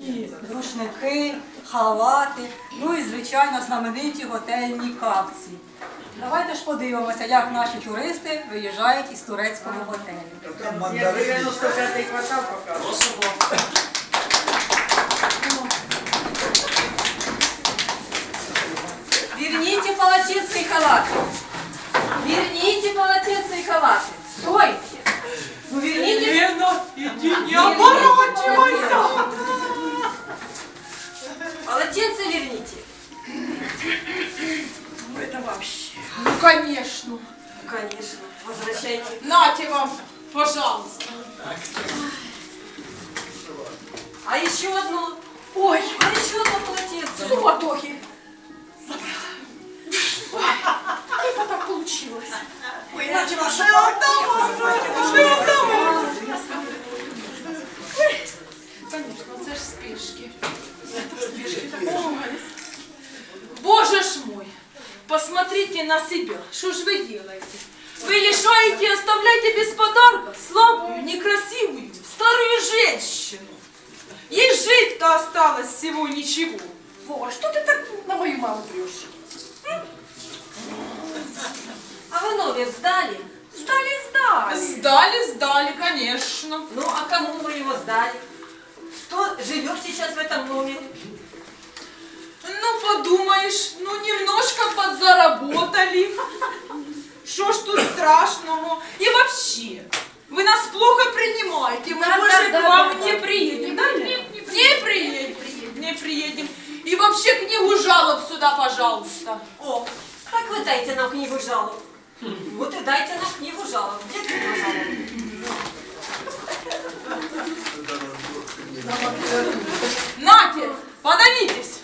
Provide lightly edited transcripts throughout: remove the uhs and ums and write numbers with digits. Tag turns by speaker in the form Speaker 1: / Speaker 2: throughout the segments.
Speaker 1: рушники, халати, ну і, звичайно, знамениті готельні капці. Давайте ж подивимося, як наші туристи виїжджають із турецького готелю.
Speaker 2: Я 95-й квартал показую.
Speaker 3: Верните полотенце и халаты. Верните полотенце и халаты. Стойте. Ну верните.
Speaker 4: Лена, иди, не оборачивайся.
Speaker 3: Полотенце верните.
Speaker 4: Ну это вообще. Ну конечно.
Speaker 3: Конечно. Возвращайте.
Speaker 4: Нате вам, пожалуйста.
Speaker 3: А еще одно.
Speaker 4: Ой,
Speaker 3: А еще одно полотенце.
Speaker 4: суматохи. Как это так получилось?
Speaker 1: Ой, иначе ваша отдала!
Speaker 4: Конечно, це ж спешки. Это в спешке такое. Боже ж мой, посмотрите на себя. Что ж вы делаете? Вы лишаете и оставляете без подарка слабую, некрасивую, старую женщину. Ей жить-то осталось всего ничего. Вова, что ты так на мою маму трешь?
Speaker 3: А вы номер сдали?
Speaker 4: Сдали, конечно.
Speaker 3: Ну, а кому вы его сдали? Кто живет сейчас в этом номере?
Speaker 4: Ну, подумаешь, ну, немножко подзаработали. Что ж тут страшного? И вообще, вы нас плохо принимаете, мы больше к вам не приедем. Да, нет, не приедем. И вообще книгу жалоб сюда, пожалуйста.
Speaker 3: О, так вы дайте нам книгу жалоб. Вот и дайте нам книгу жалоб. Где книга жалоб?
Speaker 4: Нате, подавитесь.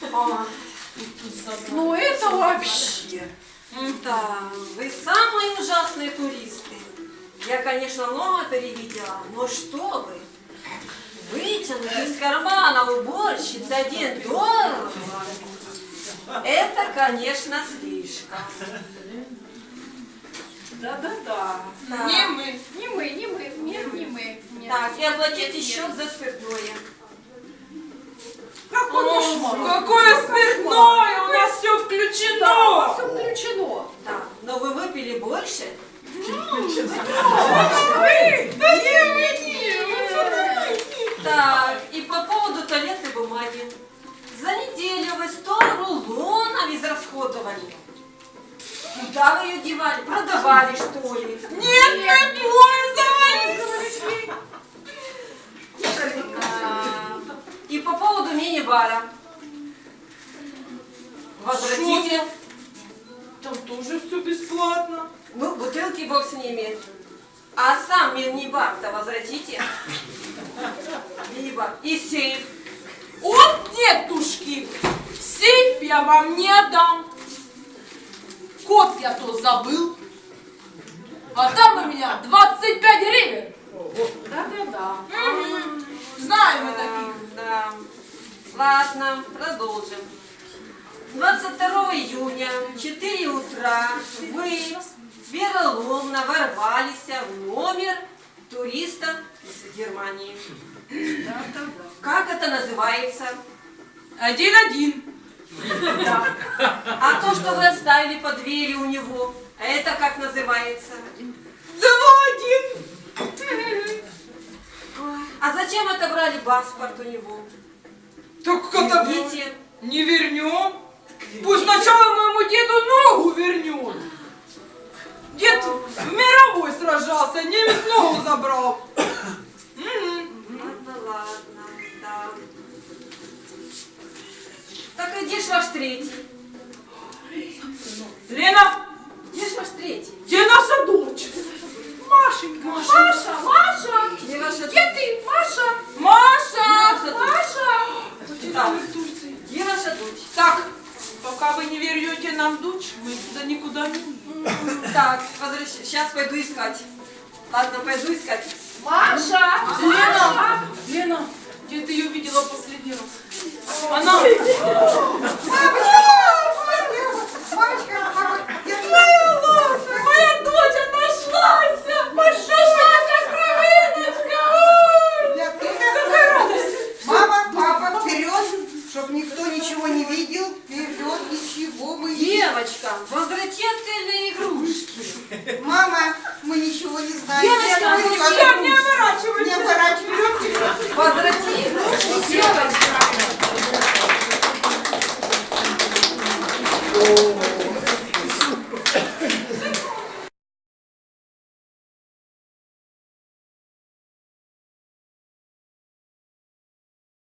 Speaker 3: Ну это вообще. Да, вы самые ужасные туристы. Я, конечно, много перевидела, но что вы? Вытянуть из кармана уборщицы $1. Это, конечно, слишком.
Speaker 4: Да.
Speaker 3: Да.
Speaker 4: Не мы.
Speaker 3: Так, и оплатите счет за спиртное.
Speaker 4: Какое спиртное? У нас все включено.
Speaker 3: Да, но вы выпили больше? Так, и по поводу туалетной бумаги. За неделю вы 100 рулонов израсходовали. Куда вы ее девали? Продавали, что ли?
Speaker 4: Нет, не пользовались.
Speaker 3: И по поводу мини-бара. Возвратите.
Speaker 4: Там тоже все бесплатно.
Speaker 3: Ну, бутылки бог с ними. А сам мини-бар-то возвратите. Мини-бар. И сейф.
Speaker 4: Вот нетушки. Сейф я вам не отдам. Код я то забыл. А там у меня 25 гривен.
Speaker 3: Да.
Speaker 4: Знаем мы таких.
Speaker 3: Да. Ладно, продолжим. 22 июня, 4 утра, вы вероломно ворвались в номер туриста из Германии. Как это называется?
Speaker 4: 1-1.
Speaker 3: Да. А то, что вы оставили под дверью у него, это как называется?
Speaker 4: 2-1.
Speaker 3: А зачем отобрали паспорт у него?
Speaker 4: Так это
Speaker 3: Идите.
Speaker 4: не вернем. Пусть сначала моему деду ногу вернет. Дед в мировой сражался, немец ногу забрал.
Speaker 3: Ладно, да. Так а где ж ваш третий?
Speaker 4: Лена,
Speaker 3: Где ж ваш третий?
Speaker 4: где наша дочь? Машенька.
Speaker 3: Маша! Где ваша...
Speaker 4: Где ты, Маша? Маша!
Speaker 3: Так, где ваша дочь?
Speaker 4: Так, пока вы не вернете нам дочь, мы туда никуда не уедем.
Speaker 3: Так, сейчас пойду искать. Ладно, пойду искать.
Speaker 4: Лена, где ты ее видела последний раз? Она... Моя дочь нашлась! Нашлась, кровиночка! Какая радость!
Speaker 2: Мама, ничего не видел. Вперед, ничего мы не...
Speaker 3: Девочка,